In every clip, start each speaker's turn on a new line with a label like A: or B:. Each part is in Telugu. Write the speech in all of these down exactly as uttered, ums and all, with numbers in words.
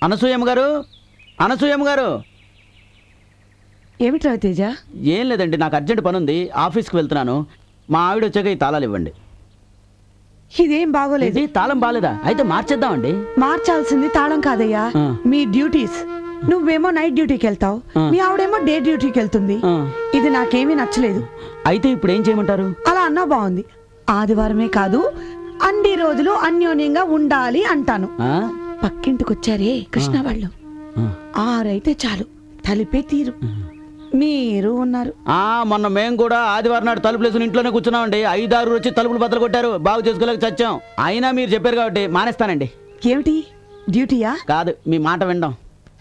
A: అనసూయమ్మ గారు, అనసూయమ్మ గారు.
B: ఏమిటి రవితేజ?
A: ఏం లేదండి, నాకు అర్జెంట్ పని ఉంది, ఆఫీస్కి వెళ్తున్నాను. మా ఆవిడ వచ్చాక ఈ తాళాలు ఇవ్వండి.
B: ఇదేం బాగోలేదు.
A: ఇది తాళం బాలేదా? అయితే మార్చేద్దామండి.
B: మార్చాల్సింది తాళం కాదయ్యా, మీ డ్యూటీస్. నువ్వేమో నైట్ డ్యూటీకి వెళ్తావు, మీ ఆవిడేమో డే డ్యూటీకి వెళ్తుంది. ఇది నాకేమీ నచ్చలేదు.
A: అయితే ఇప్పుడు ఏం చేయమంటారు?
B: అలా అన్నా బాగుంది. ఆదివారమే కాదు, అన్ని రోజులు అన్యోన్యంగా ఉండాలి అంటాను. పక్కింటికొచ్చారే కృష్ణ వాళ్ళు, ఆరైతే చాలు తలిపే తీరు. మీరు ఉన్నారు.
A: ఆ మొన్న మేము కూడా ఆదివారం నాడు తలుపులు వేసుకుని ఇంట్లోనే కూర్చున్నామండి. ఐదారు వచ్చి తలుపులు బద్దలు కొట్టారు, బాగు చేసుకోలేక చచ్చాం. అయినా మీరు చెప్పారు కాబట్టి మానేస్తానండి.
B: ఏమిటి డ్యూటీయా?
A: కాదు, మీ మాట వినడం.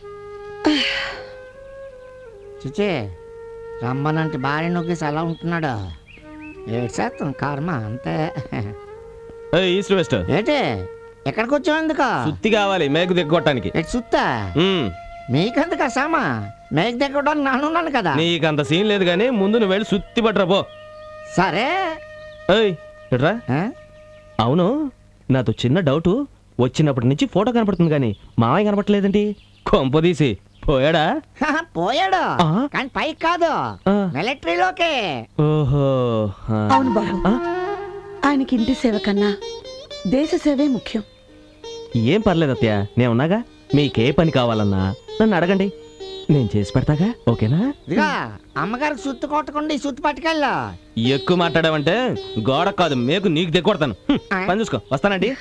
C: చిచే రమ్మనంటే భార్య నొక్కేసి అలా ఉంటున్నాడు. ఏడ్చేస్తాం కర్మ అంతే.
D: ఈస్ట్ వెస్ట్
C: ఏంటి ఎక్కడికి వచ్చావు? ఎందుకు?
D: సుత్తి కావాలి మేకు దిగ్గొట్టడానికి.
C: సుత్తా? మీకెందుకు సామా? మేకు దిగ్గొట్టడానికి నానున్నాను కదా.
D: నీకంత సీన్ లేదు కానీ ముందు నువ్వు వెళ్ళి సుత్తి పట్టరా పో.
C: సరే.
D: ఎట్రా? అవును, నాతో చిన్న డౌట్. వచ్చినప్పటి నుంచి ఫోటో కనపడుతుంది కానీ మామయ్య కనపడలేదండి. కొంపదీసి పోయాడా?
C: పోయాడు కానీ పైకి కాదు, మిలిటరీలోకి.
D: ఓహో
B: అవును బాబు, ఆయనకి ఇంటి సేవ కన్నా దేశ సేవే ముఖ్యం.
D: ఏం పర్లేదు అత్తయ్య, నేను ఉన్నాగా. మీకే పని కావాలన్నా నన్ను అడగండి, నేను చేసి పెడతాగా. ఓకేనా?
C: ఇదిగా అమ్మగారికి సుత్తు కొట్టకుండా ఈ సుత్తు పట్టుకెళ్ళా.
D: ఎక్కువ మాట్లాడావంటే గోడ కాదు మేకు నీకు దిగొడతాను. పని చూసుకో, వస్తానండి.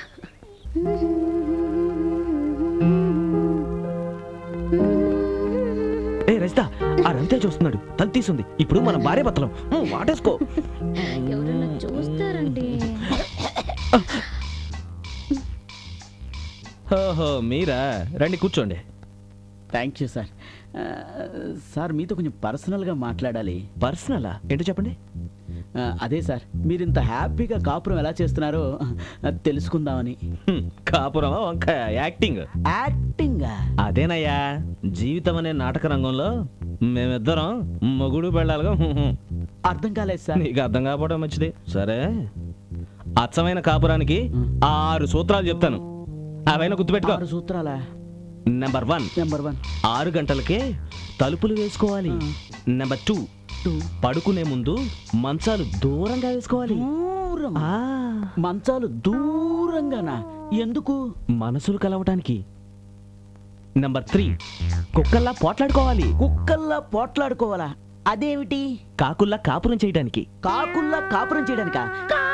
D: ఏ రజిత, ఆ రవితే చూస్తున్నాడు, తలు తీసుంది. ఇప్పుడు మన భార్య భర్తలం వాటేసుకో.
E: చూస్తారండి.
D: ఓహో మీరా, రండి కూర్చోండి.
A: Thank you sir. సార్ మీతో కొంచెం పర్సనల్గా మాట్లాడాలి.
D: పర్సనలా? ఏంటో చెప్పండి.
A: అదే సార్, మీరు ఇంత హ్యాపీగా కాపురం ఎలా చేస్తున్నారో తెలుసుకుందామని.
D: కాపురమా వంకాయ? యాక్టింగ్.
A: యాక్టింగ్?
D: అదేనయ్యా, జీవితం అనే నాటక రంగంలో మేమిద్దరం మొగుడు పెళ్ళాలిగా.
A: అర్థం కాలేదు సార్.
D: నీకు అర్థం కాకపోవడం మంచిది. సరే, అచ్చమైన కాపురానికి ఆరు సూత్రాలు చెప్తాను, అవైనా గుర్తుపెట్టుకో.
A: ఆరు సూత్రాలా?
D: నెంబర్ వన్
A: నెంబర్ వన్
D: ఆరు గంటలకే తలుపులు వేసుకోవాలి. నెంబర్ టూ పడుకునే ముందు మంచాలు దూరంగా వేసుకోవాలి.
A: మంచాలు దూరంగానా? ఎందుకు?
D: మనసులు కలవటానికి. నెంబర్ త్రీ కుక్కల్లా పోట్లాడుకోవాలి.
A: కుక్కల్లా పోట్లాడుకోవాలా? అదేమిటి?
D: కాకుల్లా కాపురం చేయడానికి.
A: కాకుల్లా కాపురం చేయడానికా?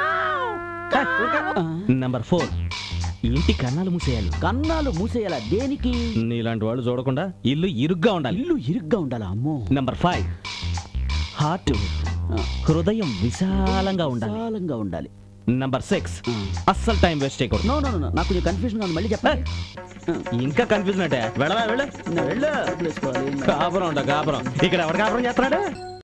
D: నెంబర్ ఫోర్ ఇంటి కన్నాలు మూసేయాలి.
A: కన్నాలు మూసేయాలా? దేనికి?
D: నీలాంటి వాళ్ళు చూడకుండా ఇల్లు ఇరుగ్గా ఉండాలి.
A: ఇల్లు ఇరుగ్గా ఉండాలా? అమ్మో.
D: నెంబర్ ఫైవ్ హార్ట్ హృదయం విశాలంగా ఉండాలి.
A: విశాలంగా ఉండాలి.
D: నెంబర్ సిక్స్ అస్సలు టైం వేస్ట్ చేయకూడదు.
A: నో నో నో నాకు కొంచెం కన్ఫ్యూజన్ ఉంది, మళ్ళీ చెప్పండి.
D: ఇంకా కన్ఫ్యూజన్ అంటే వెళ్ళవా? వెళ్ళు వెళ్ళు. కాపురం ఉండ కాపురం ఇక్కడ ఎవరు కాపురం చేస్తున్నాడు?